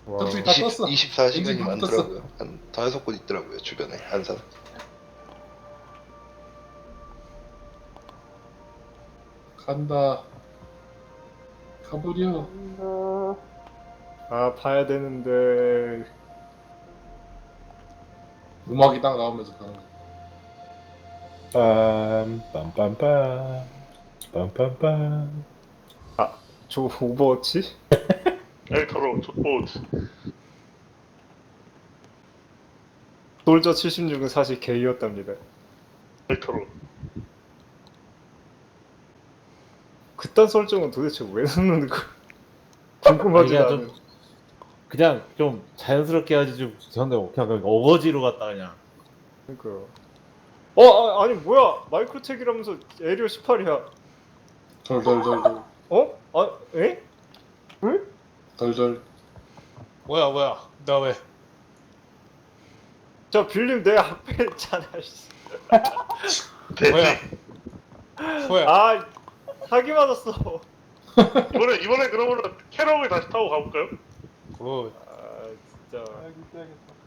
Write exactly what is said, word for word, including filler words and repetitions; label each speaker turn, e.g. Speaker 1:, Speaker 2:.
Speaker 1: 와.
Speaker 2: 저쪽이 다 떴어.
Speaker 3: 이십사 시간이
Speaker 2: 엔진 다
Speaker 3: 많더라고요. 한 다섯 곳 있더라고요 주변에 한산.
Speaker 2: 간다. 가버려.
Speaker 1: 아 봐야 되는데.
Speaker 2: 음악이 딱 나오면서 가는 거.
Speaker 4: 빰, 빰빰빰, 빰빰빰.
Speaker 1: 저 오버워치?
Speaker 5: 엘터로 족보즈.
Speaker 1: 솔저 칠십육은 사실 게이였답니다.
Speaker 5: 엘터로.
Speaker 1: 그딴 설정은 도대체 왜 넣는 거야? 궁금하지
Speaker 6: 그냥
Speaker 1: 않은.
Speaker 6: 좀 그냥 좀 자연스럽게 하지 좀 저런데 그냥 어거지로 갔다 그냥.
Speaker 1: 그러니까. 어 아, 아니 뭐야 마이크로텍이라면서 에리어 십팔이야.
Speaker 2: 덜덜덜덜.
Speaker 1: 어? 아 에?
Speaker 2: 덜덜.
Speaker 7: 뭐야 뭐야 나 왜?
Speaker 1: 자 빌림 내 앞에 있잖아. 씨.
Speaker 7: 뭐야? 뭐야?
Speaker 1: 아 사기 맞았어.
Speaker 5: 이번에 이번에 그러면은 캐럿을 다시 타고 가볼까요?
Speaker 7: 굿.
Speaker 1: 아 진짜.
Speaker 4: 아이고, 떼야겠다.